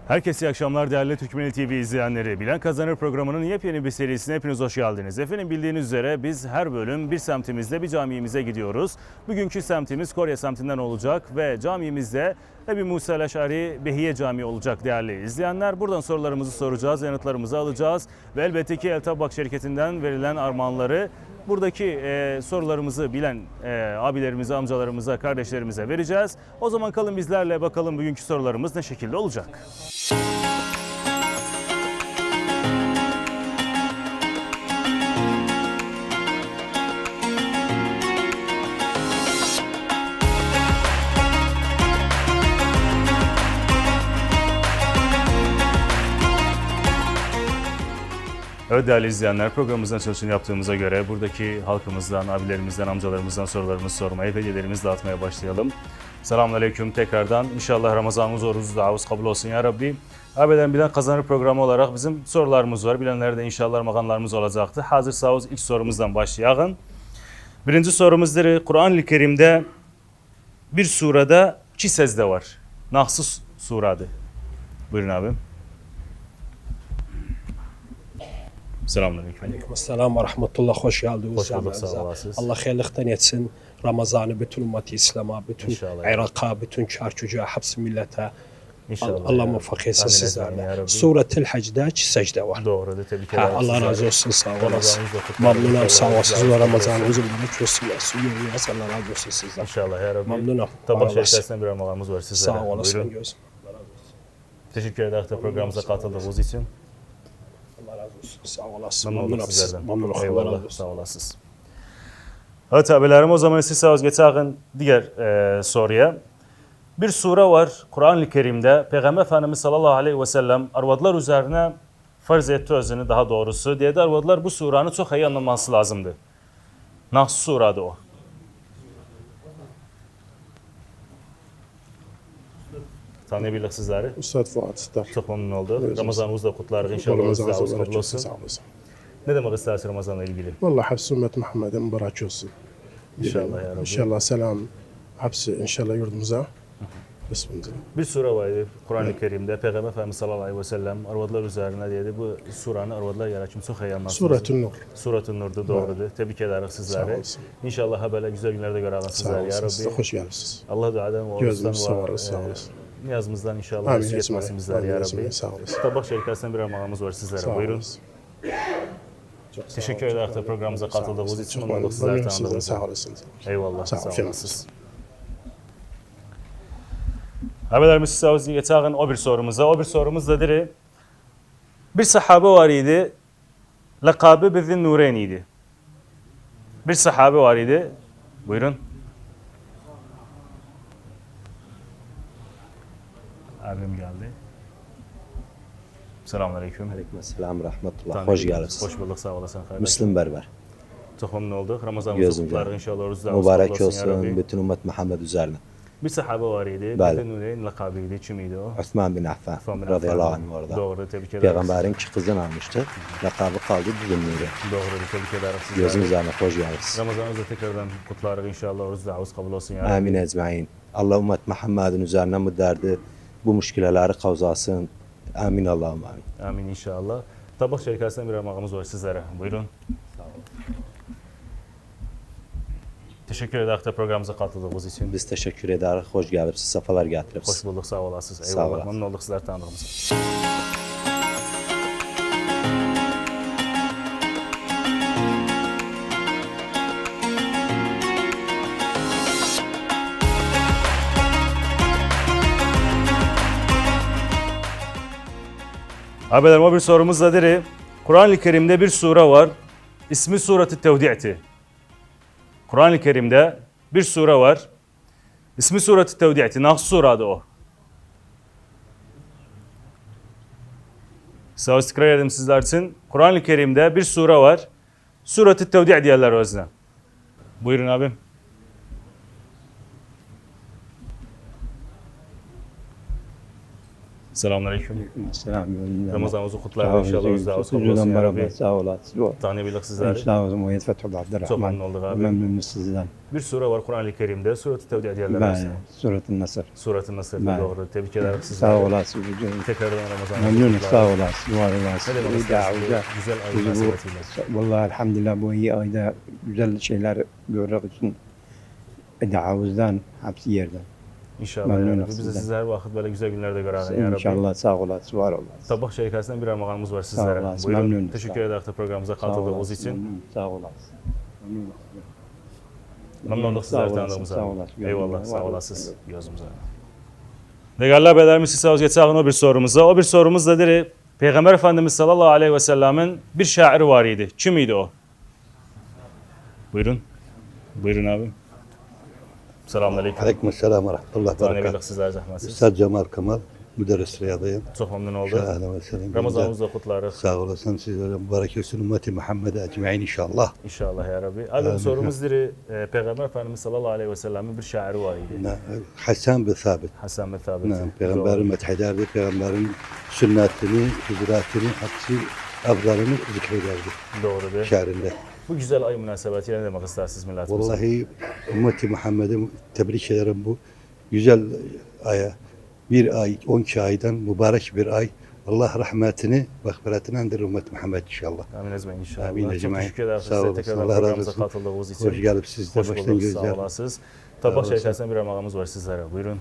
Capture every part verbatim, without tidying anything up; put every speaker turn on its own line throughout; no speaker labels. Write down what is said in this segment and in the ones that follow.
Herkese iyi akşamlar değerli Türkmenli T V izleyenleri. Bilen Kazanır programının yepyeni bir serisine hepiniz hoş geldiniz. Efendim bildiğiniz üzere biz her bölüm bir semtimizde bir camimize gidiyoruz. Bugünkü semtimiz Korya semtinden olacak ve camimizde Ebu Musa el-Eş'ari Behiye Camii olacak değerli izleyenler. Buradan sorularımızı soracağız, yanıtlarımızı alacağız ve elbette ki El Tabak şirketinden verilen armağanları buradaki e, sorularımızı bilen e, abilerimize, amcalarımıza, kardeşlerimize vereceğiz. O zaman kalın bizlerle, bakalım bugünkü sorularımız ne şekilde olacak. Evet değerli izleyenler, programımızın açılışını yaptığımıza göre buradaki halkımızdan, abilerimizden, amcalarımızdan sorularımızı sormaya, hediyelerimizi dağıtmaya başlayalım. Selamünaleyküm tekrardan. İnşallah Ramazanımız, orucumuz, duamız kabul olsun ya Rabbi. Abilerim Bilen Kazanır programı olarak bizim sorularımız var. Bilenlerde inşallah armağanlarımız olacaktı. Hazır sağız ilk sorumuzdan başlayalım. Birinci sorumuzdur. Kur'an-ı Kerim'de bir surada iki secde var. Naxs suradı. Buyurun abim. Selamünaleyküm.
Aleykümselam ve rahmetullah. Hoş geldiniz.
Hoş bulduk, sağ olasınız.
Allah hayırlıktan etsin. Ramazan'ı bütün ümmeti İslam'a, bütün
İnşallah.
Irak'a, bütün çarçucuğa, hapsi millete
İnşallah.
Allah muvaffak etsin sizlerle.
Suret
Suret-i Hac'da iki secde var.
Doğru, tebrik
Ha,
ederim.
Allah razı olsun, sağ olasın. Memnunum, sağ olasınız ve Ramazan'ınızı mübarek olsun. Yolunuz Allah razı olsun sizden.
İnşallah ya Rabbi.
Memnunum.
Tabak şirketinden bir armağanımız var sizlere.
Sağ olasın.
Buyurun.
Gözüm.
Teşekkür ederiz de programımıza katıldığınız için.
Allah razı olsun. Sağ olasın.
Memnun olduk
Memnunum siz.
sizlerden.
Memnunum. Allah razı
Eyvallah,
olsun.
sağ olasınız. Evet abilerim, o zaman siz sağ geçelim diğer e, soruya. Bir sure var Kur'an-ı Kerim'de Peygamber Efendimiz sallallahu aleyhi ve sellem arvadlar üzerine farz etti özünü, daha doğrusu. Diye de arvadlar bu suranı çok iyi anlaması lazımdı. Naxs suradı o. Tanıyabilirsiniz sizleri.
Ustad Fuat Star.
Çok memnun olduk.
Evet,
Ramazanımızı da kutlarız inşallah.
Ramazanınız
Ramazanımız
mübarek
kabul
olsun.
olsun.
Sağ olasın.
Ne demek istersin Ramazan'la ilgili?
Vallahi hapsi ümmet Muhammed'e mübarek olsun.
İnşallah ya Rabbi.
İnşallah selam hapsi inşallah yurdumuza. Bismillah.
Bir sure vardı Kur'an-ı Kerim'de Peygamber Efendimiz sallallahu aleyhi ve sellem arvadlar üzerine dedi. Bu suranı arvadlar yaratım çok iyi anlarsınız.
Suretün Nur.
Suratun Nur'du, doğrudur. Tebrik ederiz
Sağ
sizleri.
olasın.
İnşallah böyle güzel günlerde görelim
Sağ
sizler ya
olasın. Siz de
Rabbi.
hoş geldiniz.
Allah duadan ve
Gözünüz
oruçtan
sağ
ve
olasın. Sağ
e,
olasın.
niyazımızdan inşallah
Amin.
mesut etmesin bizler ya
Amin.
Rabbi.
Sağ olasın.
Tabak şirketinden bir armağanımız var sizlere.
Sağ
Buyurun.
olasın. Çok sağ
Teşekkür
olun.
ederiz de programımıza
Sağ
katıldığınız
olasın.
için.
Çok
Memnun olduk sizler
memnunum sizden.
tanıdığımız
Sağ
için.
olasınız.
Eyvallah.
Sağ
Sağ
olun.
olasınız. Haberlerimiz size geçelim o bir sorumuza. O bir sorumuz da diri. Bir sahabe var idi. Lakabı Bizin Nureyn idi. Bir sahabe var idi. Buyurun. Abim geldi. Selamünaleyküm.
Aleykümselam rahmetullah.
Tanrı
Hoş
biliriz.
geldiniz.
Hoş bulduk, sağ olasın kardeşim.
Müslüm Berber.
Çok memnun olduk. Ramazanımızı
Gözüm
kutlarız
canım.
inşallah. Oruçlar
Mübarek
kabul olsun ya
olsun
Rabbi.
bütün ümmet Muhammed üzerine.
Bir sahabe var idi.
Bəli.
Bizin Nureyn lakabıydı. Kimiydi o?
Osman bin Affan
Osman bin
radıyallahu
Affan.
anh orada.
Doğru, tebrik ederiz.
Peygamberin iki kızını almıştı. Lakabı kaldı bizim nuri.
Doğru, tebrik ederiz sizleri.
Gözün üzerine hoş geldiniz.
Ramazanınızı tekrardan kutlarız inşallah. Oruç davuz kabul olsun ya Rabbi.
Amin ecmain. Allah ümmet Muhammed'in üzerine bu derdi, bu müşkileleri kavzasın. Amin Allah'ım amin.
Amin inşallah. Tabak şirketinden bir armağanımız var sizlere. Buyurun. Teşekkür ederiz de programımıza katıldığınız için.
Biz teşekkür ederiz. Hoş geldiniz. Sefalar getiririz.
Hoş bulduk, sağ olasınız.
Sağ
Eyvallah.
olasın.
Memnun olduk sizler tanıdığımıza. Abilerim o bir sorumuz da diri. Kur'an-ı Kerim'de bir sure var. İsmi Suret-i Tevdi'ti. Kur'an-ı Kerim'de bir sure var. İsmi Suret-i Tevdi'ti. Naxs suradı o. Sağ istikrar edelim sizler için. Kur'an-ı Kerim'de bir sure var. Suret-i Tevdi' diyorlar özne. Buyurun abim. Selamünaleyküm.
Selam.
Ramazanınızı kutlar inşallah. Özdağınız kabul olsun ya Rabbi.
Sağ olasın.
Tanıyabilik sizleri.
Sağ olun. Muhammed Fethullah
Çok
Abdurrahman.
memnun olduk abi.
Memnunuz sizden.
Bir sure var Kur'an-ı Kerim'de. Surat-ı Tevdi ediyorlar.
Ben Surat-ı Nasır.
Surat-ı Nasır'da
Ben.
doğru. Tebrik ederim sizleri.
Sağ olasın.
Tekrardan Ramazanınızı
Memnunuz.
kutlar.
Sağ olasın. Var olasın.
Ne demek
İyi
istersiniz bu
davet.
güzel ay
Bizi bu-
münasebetiyle?
Vallahi elhamdülillah bu iyi ayda güzel şeyler görmek için davuzdan hepsi yerden.
İnşallah.
Memnunum
Yani. Biz de
sizden.
sizler vakit böyle güzel günlerde görelim ya Rabbi.
İnşallah sağ olasın. Var olasın.
Tabak şirketinden bir armağanımız var sizlere.
olasın,
Buyurun.
memnunum.
Teşekkür
Sağ-
ederiz de programımıza
Sağ
katıldığınız
olasın.
için.
Memnun. Sağ olasın. Memnun.
Memnun olduk
Sağ
sizleri
olasın,
tanıdığımıza.
sağ olasın.
Eyvallah,
Var
sağ
olasın.
olasınız. Gözümüze. Değerli haberlerimiz size geçelim o bir sorumuza. O bir sorumuz da diri Peygamber Efendimiz sallallahu aleyhi ve sellemin bir şairi var idi. Kim idi o? Buyurun. Buyurun abi. Selamünaleyküm.
Aleykümselam ve rahmetullah berekat.
Tanıyabilik sizler zahmetsiz.
Üstad Cemal Kemal, müderris riyadıyım.
Çok memnun olduk.
Şahane ve selam.
Ramazanımızı da kutlarız.
Sağ olasın. Sizlere mübarek olsun. Ümmeti Muhammed'e ecmaîn inşallah.
İnşallah ya Rabbi. Abi bu sorumuz diri e, Peygamber Efendimiz sallallahu aleyhi ve sellemin bir şairi var idi.
Ne- Hasan bin Sabit.
Hasan bin Thabit.
Ne, Peygamberin methederdi. Peygamberin sünnetini, hicretini, hepsi afzalını zikrederdi
Doğrudur.
şehrinde.
Bu güzel ay münasebetiyle ne demek istersiniz milletimize?
Vallahi ümmeti Muhammed'e tebrik ederim bu güzel aya. Bir ay, on iki aydan mübarek bir ay. Allah rahmetini, mağfiretini andır ümmet Muhammed inşallah.
Amin ezmeyin inşallah.
Amin
Çok
ecmaîn.
teşekkür ederiz
Sağ
size
olasın,
tekrardan
Allah razı
programımıza
olsun.
katıldığınız için.
Hoş gelip siz de
Hoş
baştan
bulduk,
gözler.
sağ olasınız. Tabak
olasın.
şirketinden bir armağanımız var sizlere. Buyurun.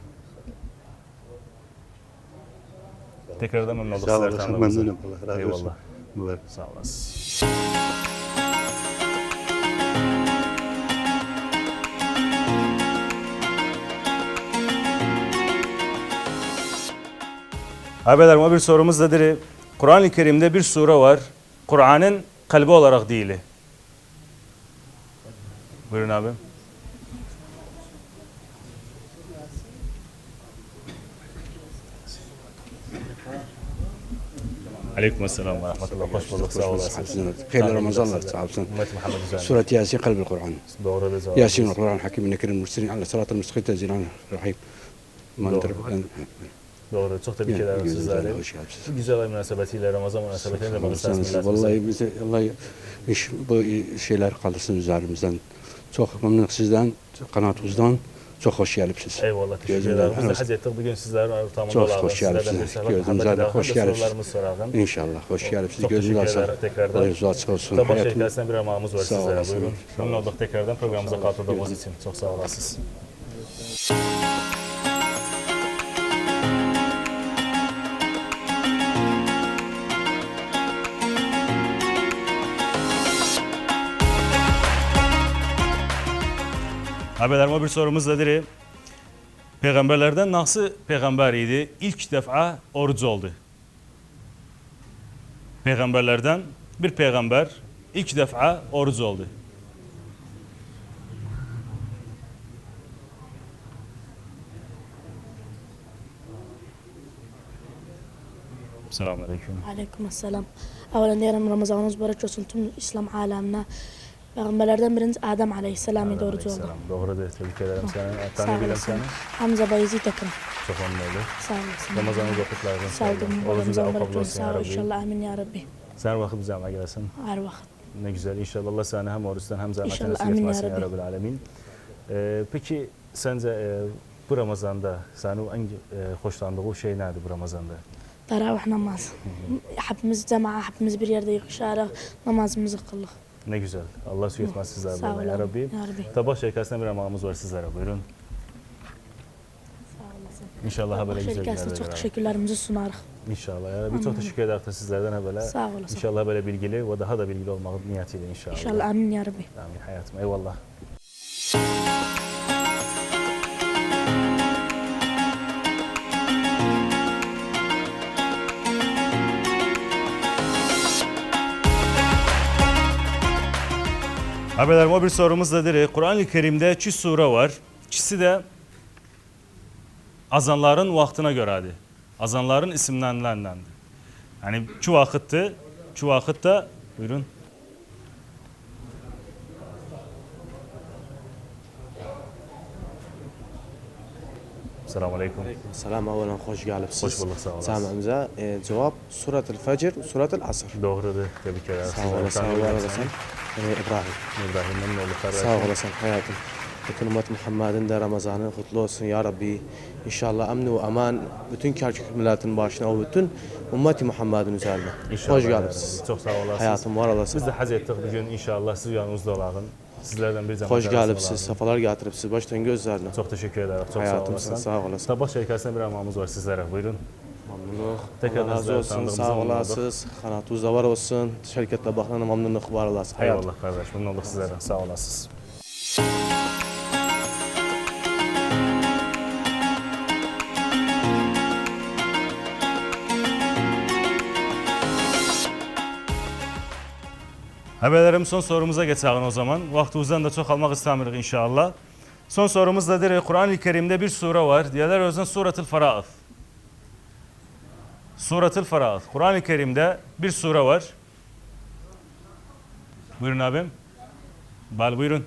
Tekrardan memnun olduk
Sağ
sizler
olasın,
tanıdığımıza.
memnunum. Allah razı olsun.
Eyvallah.
Mübarek.
Sağ olasın. Abilerim o bir sorumuz da diri. Kur'an-ı Kerim'de bir sure var. Kur'an'ın kalbi olarak değil. Buyurun abi. Aleyküm selam ve rahmetullah. Hoş bulduk. Sağ olasınız.
Hayırlı Ramazanlar sağ olsun.
Ümmet Muhammed üzerine.
سورة ياسين قلب القرآن
Doğru da cevap.
ياسين القرآن الحكيم إنك المرسلين على صراط المستقيم تنزيل الرحيم ما
Doğru.
ندرك
Doğru. Çok tebrik ederim sizleri.
hoş geldiniz.
Bu güzel ay münasebetiyle Ramazan münasebetiyle de bakırsanız
Olsanız, Vallahi bize Allah iş, bu şeyler kaldırsın üzerimizden. Çok memnunum sizden, kanaatinizden. Çok hoş geldiniz.
Eyvallah teşekkür
Gözümden
ederim. Biz de
henüz-
haz ettik bugün sizlerin ortamında
Çok
olalım.
hoş
Sizlerden
geldiniz.
bir sefer
Gözümüze
muhabbet
de
edelim.
hoş
Hem de
geldiniz.
sorularımızı soralım.
İnşallah hoş geldiniz.
Çok
Gözünüz
teşekkür
açık.
ederim tekrardan.
Allah'ınız açık olsun.
Tabak
Hayatım-
şirketinden bir armağanımız var
Sağ
sizlere.
olasın.
Buyurun.
Sağ
Memnun olduk tekrardan programımıza katıldığınız için. Çok sağ olasınız. Abilerim o bir sorumuz da diri. Peygamberlerden nasıl peygamber idi? İlk defa oruç oldu. Peygamberlerden bir peygamber ilk defa oruç oldu. Selamünaleyküm.
Aleyküm selam. Evvelen diyelim Ramazanınız mübarek olsun tüm İslam alemine. Peygamberlerden biriniz Adem Aleyhisselam'ı doğru oldu.
Aleykümselam. Doğru da tebrik ederim seni.
Sağ
Tanıyabilirim
olasın.
seni.
Hamza Bayezid Akın.
Çok memnun oldum.
Sağ olasın.
Ramazanınızı kutlarım.
Sağ olun.
Orucunuz
Ramazan
da
mübarek
kabul
olsun.
olsun
Sağ
ya
ol
Rabbi.
inşallah. Amin ya Rabbi.
Sen vakit bize gelsin.
Her vakit.
Ne güzel. İnşallah Allah sana hem oruçtan hem zahmetten
İnşallah,
nasip
amin ya
etmesin ya
Rabbi.
Rabbil Alemin. Ee, peki sence e, bu Ramazan'da senin en e, hoşlandığı şey nedir bu Ramazan'da?
Teravih namaz. Hepimiz cemaat, hepimiz bir yerde yığışarak namazımızı kıldık.
Ne güzel. Allah süt etmez sizler
Sağ
böyle ya
olun.
Rabbi.
Ya Rabbi.
Tabak şirketinden bir armağanımız var sizlere. Buyurun.
Sağ olasın.
İnşallah böyle güzel
Şirketine
günlerde
çok
görelim.
teşekkürlerimizi sunarız.
İnşallah ya Rabbi. Çok teşekkür ederiz de sizlerden ha böyle.
Sağ olasın.
İnşallah böyle bilgili ve daha da bilgili olmak niyetiyle inşallah.
İnşallah amin ya Rabbi.
Amin hayatım. Eyvallah. Abilerim o bir sorumuz da diri. Kur'an-ı Kerim'de çi sure var. İkisi de azanların vaktine göredir. Azanların isimlerindendir. Yani şu vakitte, şu vakitte buyurun. Selamun Aleyküm.
Selam أولا خوش gelipsiz.
Hoş bulduk, sağ olasın.
Samimize e, cevap Surat-ül Fecr, Surat-ül Asr.
Doğrudur. Tebrik ederim.
Sağ olasın, sağ olasın. E, İbrahim.
İbrahim memnun olduk kardeşim.
Sağ olasın hayatım. Bütün ümmet Muhammed'in de Ramazan'ı kutlu olsun ya Rabbi. İnşallah emni ve aman bütün Kerkük milletin başına o bütün ümmeti Muhammed'in üzerine.
İnşallah
Hoş
ya
gelipsiz.
Rabbi. Çok sağ olasınız.
Hayatım var olasın.
Biz de haz ettik bugün inşallah siz yanımızda olalım. Sizlerden bir zaman
Hoş gelipsiz, sefalar getiripsiz baştan gözlerine.
Çok teşekkür ederim. Çok
Hayatım
sağ
sen
olasın.
sağ olasın.
Tabak şirketinden bir armağanımız var sizlere. Buyurun.
Memnunluk.
Tekrar
Allah razı
bizleri
olsun.
tanıdığımıza
Sağ
memnun olduk.
olasınız. Kanatınızda var olsun. Şirketle bakılan memnunluk var olasın. Hayatım.
Eyvallah kardeş. Memnun olduk sizlerden. Sağ olasınız. Haberlerim son sorumuza geçelim o zaman. Vaktimizden de çok almak istemiyoruz inşallah. Son sorumuz da Kur'an-ı Kerim'de bir sure var. Diyorlar o yüzden Suratul Faraat. Suratul Faraat. Kur'an-ı Kerim'de bir sure var. Buyurun abim. Bal buyurun.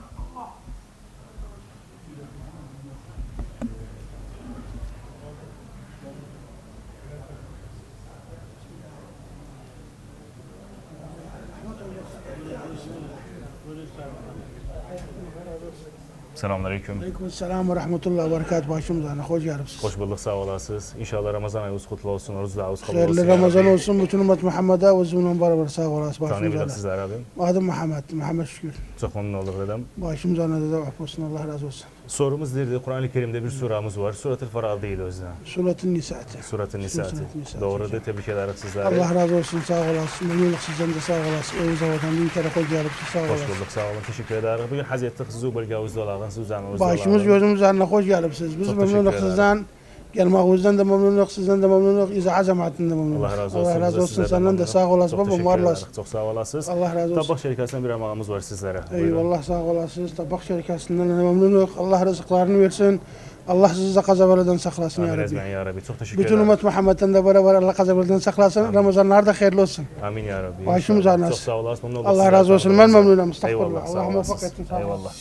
Selamünaleyküm.
Aleykümselam ve rahmetullah ve berekat başımıza. Hoş geldiniz.
Hoş bulduk, sağ olasınız. İnşallah Ramazan ayınız kutlu olsun, oruç davuz kabul olsun.
Hayırlı Ramazan olsun. Bütün ümmet Muhammed'e ve zümrün beraber sağ olasın.
Tanıyabilirim
Başımıza.
sizler abim.
Adım Muhammed. Muhammed Şükür.
Çok memnun olduk dedem.
Başımıza ne de olsun. Allah razı olsun.
Sorumuz nedir? Kur'an-ı Kerim'de bir suremiz var. Suratul Faraat değil o yüzden.
Suratın Nisa'tı.
Surat-ı Nisa'tı.
Surat-ı Nisa'tı.
Doğrudur, tebrik ederiz sizlere.
Allah razı olsun. Sağ olasın. Memnunluk sizden de sağ olasın. Evinize vatan bin kere hoş geldiniz. Sağ
Hoş
olasın.
bulduk, sağ olun. Teşekkür ederiz. Bugün haz ettik sizi bu bölgemizde olalım. Siz üzerinizde
Başımız gözümüz üzerine hoş geldiniz. Biz
Çok
memnunluk
teşekkür
sizden. Gelmağınızdan da memnunluk, sizden de memnunluk, iza azamatin de memnunluk.
Allah razı olsun.
Allah razı
Biz
olsun.
sizlerden
Senden de
memnunum.
sağ olasın.
Çok
Babam
teşekkür
var
ederiz.
olasın.
Çok sağ olasınız.
Allah razı olsun.
Tabak şirketinden bir armağanımız var sizlere. Buyurun.
Eyvallah sağ olasınız. Tabak şirketinden de memnunluk. Allah rızıklarını versin. Allah sizi de kazabaladan saklasın ya
Amin
Rabbi.
ezmen ya Rabbi. Çok teşekkür
Bütün
ederim.
ümmet Muhammed'den de beraber Allah kazabaladan saklasın. Ramazanlar da hayırlı olsun.
Amin ya Rabbi.
Başımız
İnşallah.
ağrınız.
Çok sağ olasın. Memnun olduk
Allah
sizlerden.
razı olsun. Ben memnunum.
Eyvallah.
Estağfurullah.
Sağ
Allah muvaffak
olasınız.
etsin. Sağ olun.
Eyvallah.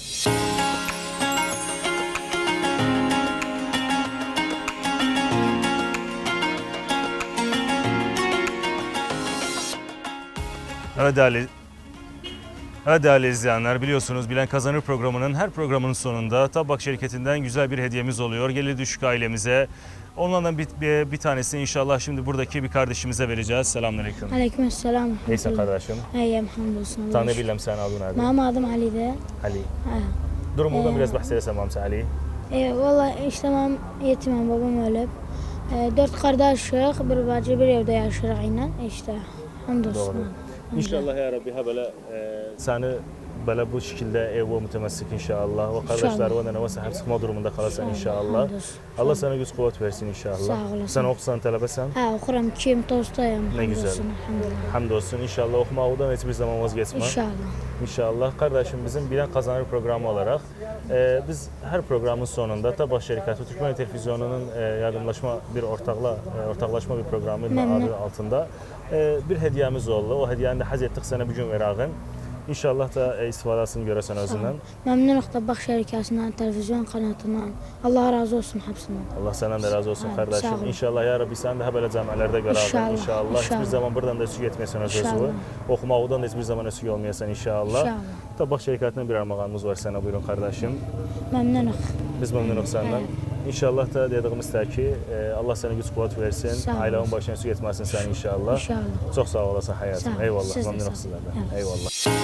Evet değerli, evet değerli izleyenler, biliyorsunuz Bilen Kazanır programının her programının sonunda Tabak şirketinden güzel bir hediyemiz oluyor. Geliri düşük ailemize. Onlardan bir, bir, bir tanesini inşallah şimdi buradaki bir kardeşimize vereceğiz. Selamünaleyküm.
Aleykümselam.
Neyse kardeşim.
İyiyim hamdolsun.
Tanıyabildim sen adın nerede?
Benim adım Ali'de.
Ali.
Ha.
Durumundan
Ee,
biraz bahsedersen Mamsa Ali.
E, Valla işte ben yetimim, babam ölüp. E, dört kardeşik, bir bacı, bir evde yaşıyoruz aynen. İşte hamdolsun.
Doğru. İnşallah ya Rabbi ha böyle e, seni böyle bu şekilde ev ve mütemessik inşallah. Ve kardeşler ve nenevesi hep sıkma durumunda kalarsan inşallah.
Hamdolsun.
Allah sana güç kuvvet versin inşallah.
Sağ olasın.
Sen okusan talebesen.
Ha okuram, kim tostayım.
Ne güzel.
Hamdolsun, elhamdülillah.
Hamdolsun inşallah okumadan hiçbir zaman vazgeçme.
İnşallah.
İnşallah kardeşim bizim Bilen Kazanır programı olarak e, biz her programın sonunda Tabak Şirketi Türkmen Televizyonu'nun e, yardımlaşma bir ortakla e, ortaklaşma bir programı
Memnun.
adı altında e, bir hediyemiz oldu. O hediyeyi de haz ettik sana bugün verağın. İnşallah da e, istifadasını göresen özünden.
Memnunluk Tabak şirketinden, televizyon kanatından. Allah razı olsun hepsinden.
Allah senden de razı olsun
Abi,
kardeşim.
sağ olun.
İnşallah ya Rabbi sen de böyle camielerde görərdin
İnşallah,
inşallah. Hiçbir
inşallah.
zaman buradan da eksik etmeyesin öz
İnşallah.
özü. Okumaqdan da hiçbir zaman eksik olmayasan inşallah.
İnşallah.
Tabak şirketinden bir armağanımız var sana buyurun kardeşim.
Memnunuk.
Biz memnunuz senden. İnşallah da dediğimiz ki e, Allah sana güç kuvvet versin.
Sağ ol.
Ailenin başına eksik etmesin sen inşallah.
İnşallah.
Çok sağ olasın hayatım.
Sağ ol.
Eyvallah.
Siz de sağ
Memnunum
olun.
sizlerden.
Evet.
Eyvallah.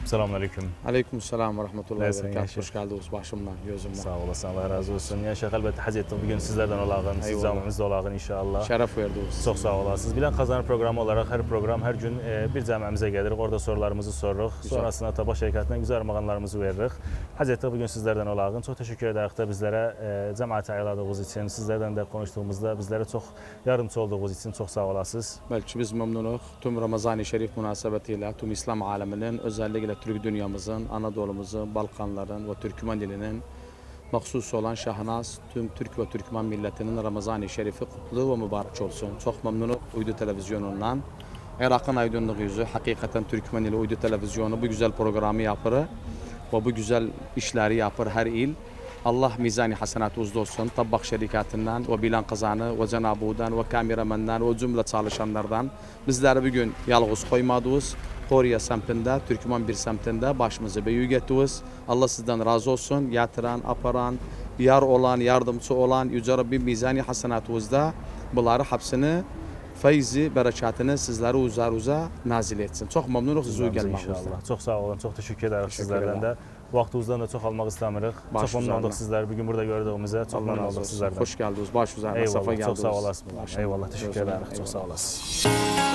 Selamünaleyküm.
Aleyküm selam ve rahmetullahi ve
Nasılsın
berekatuhu.
Yaşar?
Hoş geldiniz başımdan, gözümden.
Sağ olasın, Allah razı olsun. Yaşar, elbette haz ettik bugün sizlerden olağın, siz
Eyvallah.
camimizde olağın inşallah.
Şeref verdiniz.
Çok sağ olasınız. Bilen Kazanır programı olarak her program, her gün e, bir cəmiyyəmizə gelirik. Orada sorularımızı soruruq.
Güzel.
Sonrasında Tabaq şirkətindən güzel armağanlarımızı veririk. Haz etdik bugün sizlerden olağın. Çok teşekkür ederiz de bizlere e, cəmiyyəti ayırdığınız için, sizlerden de konuştuğumuzda bizlere çok yardımcı olduğunuz için çok sağ olasınız.
Belki biz memnunuz. Tüm Ramazan-ı Şerif münasebetiyle tüm İslam aleminin, özellikle Türk dünyamızın, Anadolu'muzun, Balkanların ve Türkmen dilinin mahsus olan şahnaz tüm Türk ve Türkmen milletinin Ramazan-ı Şerifi kutlu ve mübarek olsun. Çok memnunum Uydu Televizyonu'ndan. Irak'ın aydınlık yüzü, hakikaten Türkmen ili Uydu Televizyonu bu güzel programı yapır ve bu güzel işleri yapır her il. Allah mizani hasenat uzun olsun. Tabak şirketinden ve Bilen Kazanı ve Cenab-ı'dan ve kameramandan ve cümle çalışanlardan bizleri bugün yalnız koymadığız. Koriya semtinde, Türkmen bir semtinde başımızı büyük ettiniz. Allah sizden razı olsun. Yatıran, aparan, yar olan, yardımcı olan Yüce Rabbim mizani hasenatınızda bunları hepsini feyzi, berekatını sizlere üzerinize nazil etsin. Çok memnunum size gelmekten.
İnşallah. Çok sağ olun. Çok teşekkür ederiz
Teşekkür
sizlerden
ederim.
de. Vaxtınızdan da çok almak istemirik.
Baş
Çok memnun olduk
üzerine.
sizler. Bugün burada gördüğümüze çok
Allah
memnun
razı
olduk
olsun.
sizlerden.
Hoş geldiniz. Baş üzerine. Safa
Eyvallah.
geldiniz.
Çok sağ olasın.
Başım.
Eyvallah. Teşekkür
Gözüm.
ederiz. Çok
Eyvallah.
sağ olasın.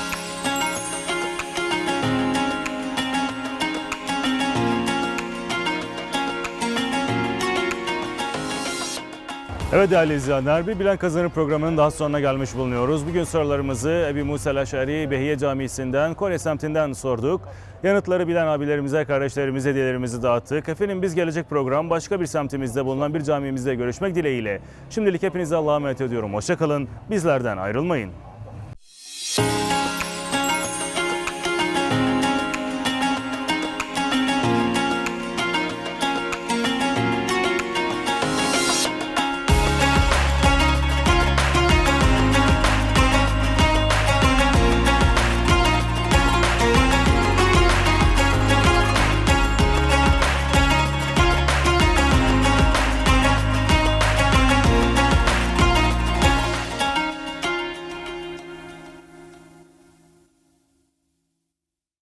Evet değerli izleyenler, bir Bilen Kazanır programının daha sonuna gelmiş bulunuyoruz. Bugün sorularımızı Ebu Musa el-Eş'ari Behiye Camisi'nden, Kore semtinden sorduk. Yanıtları bilen abilerimize, kardeşlerimize hediyelerimizi dağıttık. Efendim biz gelecek program başka bir semtimizde bulunan bir camimizde görüşmek dileğiyle. Şimdilik hepinize Allah'a emanet ediyorum. Hoşça kalın, bizlerden ayrılmayın.